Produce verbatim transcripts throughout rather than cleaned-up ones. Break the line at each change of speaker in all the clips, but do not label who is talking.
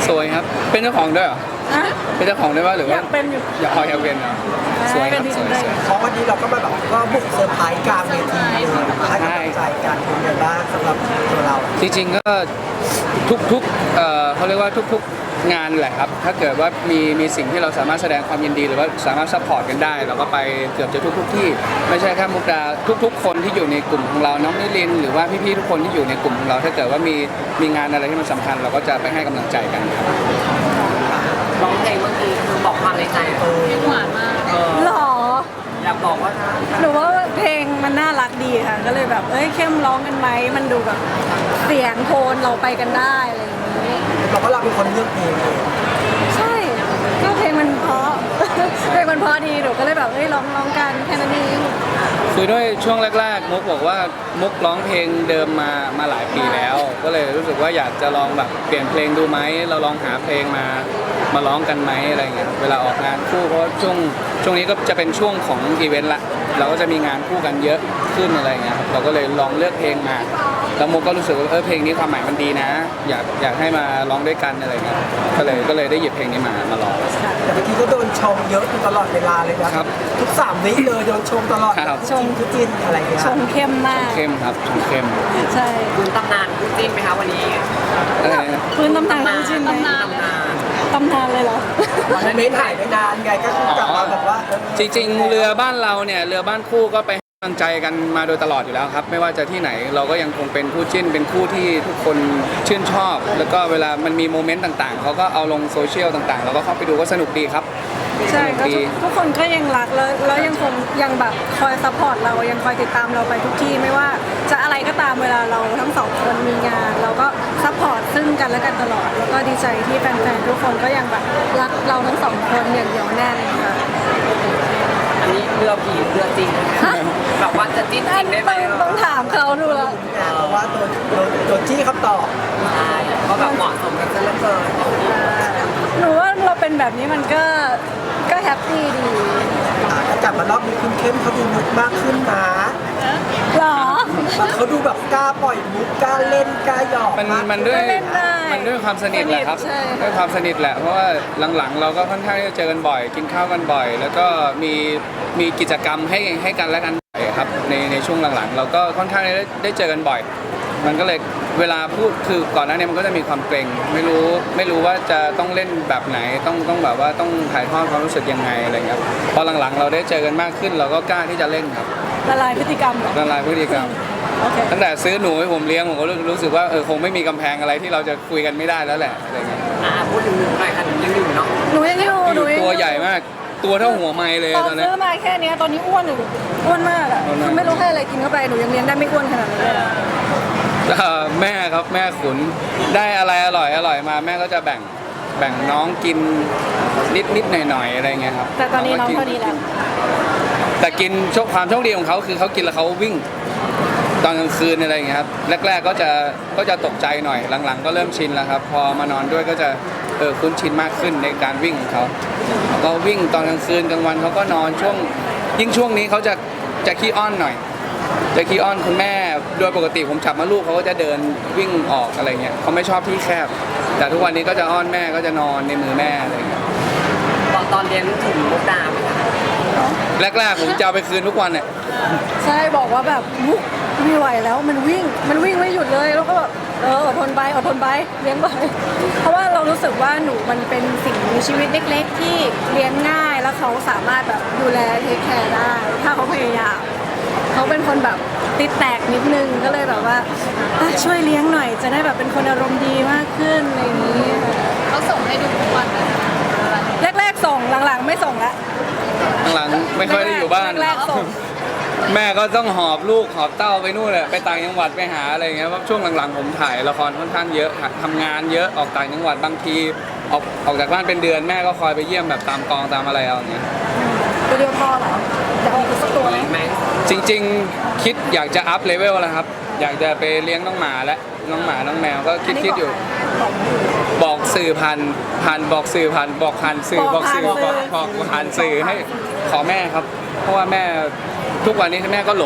สวยครับเป็นเจ้าของด้วยเหรอเป็นเจ้าของด้วยว่าหรือว่า
อยากเป็นอยู่
อยากพออยากเป็นเหรอสวยครับสวยสวย
เพราะวันนี้เราก็มาแบบก็บุกเซอร์ไพรส์กลางเวทีเลยมาให้กำลังใจกันเป็นไงบ้างสำหรับตัวเรา
จริงๆก็ทุกๆเอ่อเขาเรียกว่าทุกๆงานแหละครับถ้าเกิดว่ามีมีสิ่งที่เราสามารถแสดงความยินดีหรือว่าสามารถซัพพอร์ตกันได้เราก็ไปเกือบจะทุกๆที่ไม่ใช่แค่มุกดาทุกๆคนที่อยู่ในกลุ่มของเราน้องนิลินหรือว่าพี่ๆทุกคนที่อยู่ในกลุ่มของเราถ้าเกิดว่ามีมีงานอะไรที่มันสำคัญเราก็จะไปให้กำลังใจกันครับ
ร้องเพลงเมื่อกี้คือบอกความในใจเออ
หวานมากหรอ
อยากบอกว่า
หนูว่าเพลงมันน่ารักดีค่ะก็เลยแบบเอ้ยเข้มร้องกันไหมมันดูแบบเสียงโทนเราไปกันได้อะไรอย่างนี้
เราก็เราเป็นคนเลือกเพลงเอง
ใช่ก็เพลงมันเพราะเพลงมันเพราะดีหนูก็เลยแบบเอ้ยร้องร้องกันแค่นั้นเอง
คือด้วยช่วงแรกๆมุกบอกว่ามุกร้องเพลงเดิมมามาหลายปีแล้ว ก็เลยรู้สึกว่าอยากจะลองแบบเปลี่ยนเพลงดูไหมเราลองหาเพลงมามาร้องกันไหมอะไรเงี้ยเวลาออกงานคู่เพราะช่วงช่วงนี้ก็จะเป็นช่วงของอีเวนต์ละเราก็จะมีงานคู่กันเยอะขึ้นอะไรเงี้ยเราก็เลยลองเลือกเพลงมาแล้วมุกก็รู้สึกว่าเออเพลงนี้ความหมายมันดีนะอยากอยากให้มาร้องด้วยกันอะไรเงี้ยก็เลยก็เลยได้หยิบเพลงนี้มามาร้อง
แต่เมื่อกี้ก็โดนชมเยอะตลอดเวลาเลยนะครับทุกสามวิเลยโดนชมตลอดชมคือจินอะไรเงี้ย
ชมเข้มมาก
เข้มครับชมเข้ม
ใช่
คุณตำนานคุณจินไหมคะวันนี้
พื้นตำนานคุณจินไหมตำนานเลยเหรอ
มันไม่ถ่ายไม่นานไงก็คือกลับมาแบบว่า
จริงๆเรือบ้านเราเนี่ยเรือบ้านคู่ก็ไปกำลังใจกันมาโดยตลอดอยู่แล้วครับไม่ว่าจะที่ไหนเราก็ยังคงเป็นคู่จิ้นเป็นคู่ที่ทุกคนชื่นชอบแล้วก็เวลามันมีโมเมนต์ต่างๆเขาก็เอาลงโซเชียลต่างๆเราก็เข้าไปดูก็สนุกดีครับ
ใช่ก็ทุกคนก็ยังรักแล้วแล้วยังคงยังแบบคอยซัพพอร์ตเรายังคอยติดตามเราไปทุกที่ไม่ว่าจะอะไรก็ตามเวลาเราทั้งสองคนมีงานเราก็ซัพพอร์ตซึ่งกันและกันตลอดแล้วก็ดีใจที่แฟนๆทุกคนก็ยังแบบรักเราทั้งสองคนอย่างเหนียวแน่นค่ะ
อันนี้เรือผีเรือจริงแบบว่าจะจิ้นจริงได้ไหม
ต้องถามเขาดูแล้ว
เพราะว่าตัวตัวจี้คำตอบ
ใช่ก็แบบเหมาะสมกันซะเหลือเกิน
หนูว่าเราเป็นแบบนี้มันก็ก็แฮปปี้ดี
กลับมารอบนี้คุณเข้มเขาดูมุกมากขึ้นนะ
หรอ
เขาดูแบบกล้าปล่อยมุกกล้าเล่นกล้าหยอก
มันมันด้วยมันด้วยความสนิทแหละครับด้วยความสนิทแหละเพราะว่าหลังๆเราก็ค่อนข้างจะเจอกันบ่อยกินข้าวกันบ่อยแล้วก็มีมีกิจกรรมให้ให้กันและกันบ่อยครับในในช่วงหลังๆเราก็ค่อนข้างได้ได้เจอกันบ่อยมันก็เลยเวลาพูดคือก่อนหน้านี้มันก็จะมีความเกรงไม่รู้ไม่รู้ว่าจะต้องเล่นแบบไหนต้องต้องแบบว่าต้องถ่ายทอดความรู้สึกยังไงอะไรเงี้ยพอหลังๆเราได้เจอกันมากขึ้นเราก็กล้าที่จะเล่นครับ
ละลายพฤติกรรม
ละลายพฤติกรรมตั้งแต่ซื้อหนูให้ผมเลี้ยงผมก็รู้สึกว่าเออคงไม่มีกำแพงอะไรที่เราจะคุยกันไม่ได้แล้วแหละอะไรเงี้ย
อ่าพูดถึงหนูหน่อยค่ะหนูยังอยู่เนาะ
หนูยังอยู่หนู
ตัวใหญ่มากตัวเท่าหัวไม้เลย
ตอนนี้ซื้อมาแค่นี้ตอนนี้อ้วนหนูอ้วนมากอ่ะคือไม่รู้ให้อะไรกินเข้าไปหนูยังเลี้ยงได้ไม่อ้วนขนาดนี้เลย
แม่ครับแม่ขุนได้อะไรอร่อยอร่อยมาแม่ก็จะแบ่งแบ่งน้องกินนิดนิดหน่อยหน่อยอะไรเงี้ยครับ
แต่ตอนนี้น้องพอดีแล้ว
แต่กินโชคความโชคดีของเขาคือเขากินแล้วเขาวิ่งตอนกลางคืนอะไรเงี้ยครับแรกๆก็จะก็จะตกใจหน่อยหลังๆก็เริ่มชินแล้วครับพอมานอนด้วยก็จะเออคุ้นชินมากขึ้นในการวิ่งของเขาก็วิ่งตอนกลางคืนกลางวันเขาก็นอนช่วงยิ่งช่วงนี้เขาจะจะขี้อ้อนหน่อยจะขี้อ้อนคุณแม่โดยปกติผมจับมาลูกเขาก็จะเดินวิ่งออกอะไรเงี้ยเขาไม่ชอบที่แคบแต่ทุกวันนี้ก็จะอ้อนแม่ก็จะนอนในมือแม่อะไรเงี้ย
ตอนตอนเรียนถึงมุกดาไหมคะ
แรกๆผมจะเอาไปคืนทุกวันเนี่ย
ใช่บอกว่าแบบมุกไม่ไหวแล้วมันวิ่งมันวิ่งไม่หยุดเลยแล้วก็แบบเอออดทนไปอดทนไปเลี้ยงไปเพราะว่าเรารู้สึกว่าหนูมันเป็นสิ่งมีชีวิตเล็กๆที่เลี้ยงง่ายแล้วเขาสามารถแบบดูแลเทคแคร์ได้ถ้าเขาพยายามเขาเป็นคนแบบติดแตกนิดนึงก็เลยแบบว่าช่วยเลี้ยงหน่อยจะได้แบบเป็นคนอารมณ์ดีมากขึ้นอะไรอย่างนี้
เขาส่งให้ดูทุกวันนะ
แรกๆส่งหลังๆไม่ส่งละ
หลังๆไม่ค่อยได้อยู่บ้าน
แรกๆส่ง
แม่ก็ต้องหอบลูกหอบเต้าไปนู่นแหละไปต่างจังหวัดไปหาอะไรเงี้ยเพราะช่วงหลังๆผมถ่ายละครค่อนข้างเยอะทำงานเยอะออกต่างจังหวัดบางทีออกออกจากบ้านเป็นเดือนแม่ก็คอยไปเยี่ยมแบบตามกองตามอะไรเอาอย่างเงี้ย
ตัวเดียวพอเหรอจะมีสักตัวไหม
จริงๆคิดอยากจะอัพเลเวลแล้วครับอยากจะไปเลี้ยงน้องหมาและน้องหมาน้องแมวก็คิดคิดอยู่บอกสื่อพันพันบอกสื่อพันบอกพันสื่อบอกสื่อบอกบอกผ่านสื่อให้ขอแม่ครับเพราะว่าแม่ทุกวันนี้แม่ก็หลง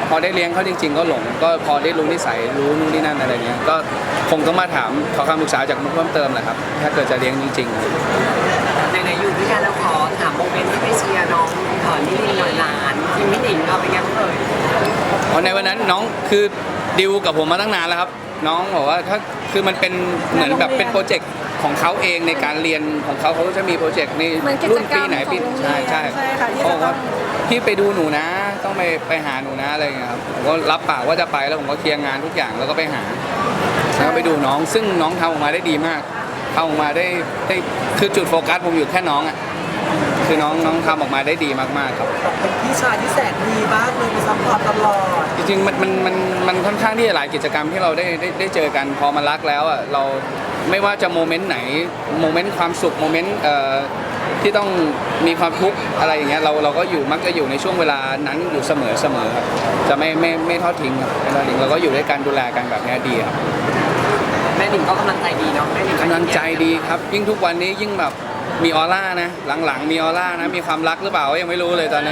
พอได้เลี้ยงเขาจริง ๆ ก็หลงก็พอได้รู้นิสัยรู้นู่นนี่นั่นอะไรเงี้ยก็คงต้องมาถามขอคำปรึกษาจากมุกเพิ่มเติมแหละครับถ้าเกิดจะเลี้ยงจริงๆ
ในในๆอยู่ด้วยกันแล้วขอถามโมเมนต์ที่ไปเชียร์น้องขอนิรินทร์หน่อยหลานทีมพี่หนิงเอาเป็นไงบ้างเอ่ย
เพราะในวันนั้นน้องคือดิวกับผมมาตั้งนานแล้วครับ น้องบอกว่าถ้าคือมันเป็นเหมือนแบบเป็นโปรเจกต์ของเขาเองในการเรียนของเขาเขาจะมีโปรเจกต์นี่
เหมือนกิจ
รุ่น
กรร
ปี
ม
ไหนปี
ของโรงเรียน
ใช่ใช่
ใช่ค่ะที่
เขา
จะ
บอก
ต้
ว่า
อง
พี่ไปดูหนูนะ ต้องไปไปหาหนูนะอะไรอย่างเงี้ยครับผมก็รับปากว่าจะไปแล้วผมก็เคลียร์งานทุกอย่างแล้วก็ไปหาแล้วก็ไปดูน้องซึ่งน้องทำออกมาได้ดีมากทำออกมาได้ได้คือจุดโฟกัสผมอยู่แค่น้องอ่ะคือน้องน้องทำออกมาได้ดีมากๆครับ
เป็นพี่ชายที่แสนดีมากเลยไปซัพพอร์ตตลอด
จริงๆมันมันมันมันค่อนข้างที่จะหลายกิจกรรมที่เราได้ได้ได้เจอกันพอมารักแล้วอ่ะเราไม่ว่าจะโมเมนต์ไหนโมเมนต์ความสุขโมเมนต์เอ่อที่ต้องมีความทุกข์อะไรอย่างเงี้ยเราเราก็อยู่มักจะอยู่ในช่วงเวลานั้นอยู่เสมอเสมอครับจะไม่ไม่ไม่ทอดทิ้งครับไม่ทอดทิ้งเราก็อยู่ด้วยกันดูแลกันแบบเนี้ยดีครับ
แม่หนิงก็กำลังใจดีเนาะแม่หนิง
กำลังใจดีครับยิ่งทุกวันนี้ยิ่งแบบมีออร่านะหลังๆ มีออร่านะมีความรักหรือเปล่าก็ยังไม่รู้เลยตอนนี้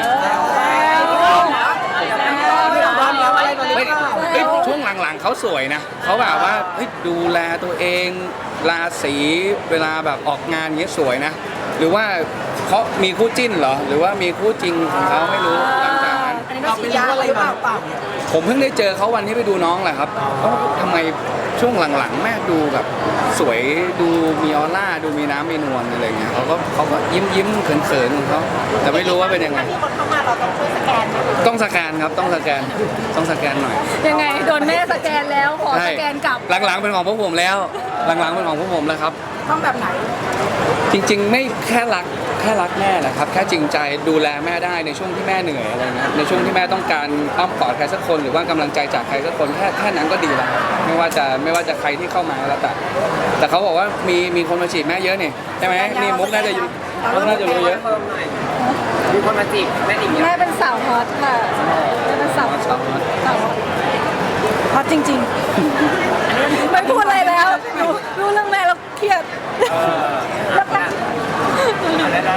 ไม่เฮ้ยช่วงหลังๆเขาสวยนะเขาแบบว่าเฮ้ยดูแลตัวเองราศีเวลาแบบออกงานเงี้ยสวยนะ หรือว่าเขามีคู่จิ้นเหรอ หรือว่ามีคู่จริงของเขาไม่รู้หลังจากนั้น
อันนี้ก็
เรา
ฉี
ไป
ดยา
รู้อะไร
หรือเป
มา
ล่า
หรือเปล่าเนี่ย
ผมเพิ่งได้เจอเขาวันที่ไปดูน้องแหละครับเอ้าทำไมช่วงหลังๆ แม่ดูแบบสวยดูมีออร่าดูมีน้ำมีนวลอะไรเงี้ยเขาก็เขาก็ยิ้มยิ้มๆเขินๆของเขาแต่ไม่รู้ว่าเป็นยังไง
ที่คนเข้ามาเราต้องช่วยสแกนไหม
ต้องสแกนครับต้องสแกนต้องสแกนหน่อย
ยังไงโดนแม่สแกนแล้วขอ
ใช่
สแกนกลับ
หลังๆเป็นของพวกผมแล้ว หลังๆเป็นของพวกผมแล้วครับ
ต้องแบบไหน
จริงๆไม่แค่รักแค่รักแม่แหละครับแค่จริงใจดูแลแม่ได้ในช่วงที่แม่เหนื่อยอะไรเงี้ยในช่วงที่แม่ต้องการอ้อมกอดใครสักคนหรือว่ากำลังใจจากใครสักคนแค่แค่นั้นก็ดีแล้วครับไม่ว่าจะไม่ว่าจะใครที่เข้ามาแล้วแต่แต่เขาบอกว่ามีมีคนมาจีบแม่เยอะนี่ใช่ไหมนี่มุกน่าจะมุกน่าจะรู้เยอะ
เพิ่มหน่อยมีคนมาจีบแม่หนิงเย
แม่
อะ
เป็นสาวฮอตค่ะแม่เป็นสาวฮอต
สาวฮอต
สาวฮอตฮอตจริงๆไม่พูดอะไรแล้วรู้รู้เรื่องแม่แล้วเครียดแล้วก็
ได้แล้ว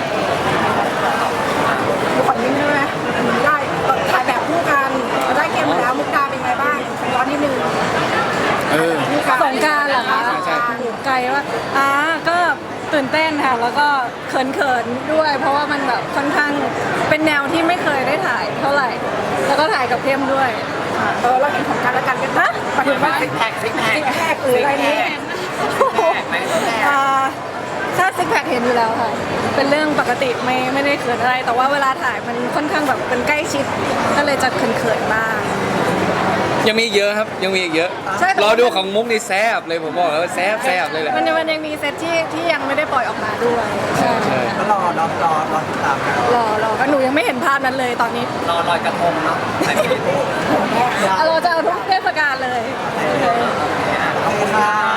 ขอยิ้มได้ไหมได้ถ่ายแบบคู่กันได้เกมแล้วมุกดาเป็นไงบ้างย้อนนิดนึง
เออ
สงกรารเหรอคะ
ใช่ใช่
ไกลว่าอ่าก็ตื่นเต้นค่ะ แล้วก็เขินๆด้วย เพราะว่ามันแบบค่อนข้างเป็นแนวที่ไม่เคยได้ถ่ายเท่าไหร่ แล้วก็ถ่ายกับเข้มด้วยเออเราเห็นของกันและกันกันนะปัจจุบัน
ซิกแพคซิกแพค
ซิกแพคหรืออะไรนี้
ไหมซิกแพค
อ่าถ้าซิกแพคเห็นอยู่แล้วค่ะ เป็นเรื่องปกติไม่ไม่ได้เขินอะไร แต่ว่าเวลาถ่ายมันค่อนข้างแบบเป็นใกล้ชิด ก็เลยจะเขินๆบ้าง
ยังมีอีกเยอะครับยังมีอีกเยอะ
ใช่แต่
รอดูของมุกนี่แซ่บเลยผมบอกเลยว่าแซ่บแซ่บเลยแหละ
มันยังมันยังมีเซตที่ที่ยังไม่ได้ปล่อยออกมาด้วยใช่
ใช่
ก็รอรอรอรอติดตามกัน
รอรอก็หนูยังไม่เห็นภาพนั้นเลยตอนนี้
รอลอยกระทงเนาะใส่พิธี
เราจะเอาทุกเทศกาลเลย
ขอบคุณค่ะ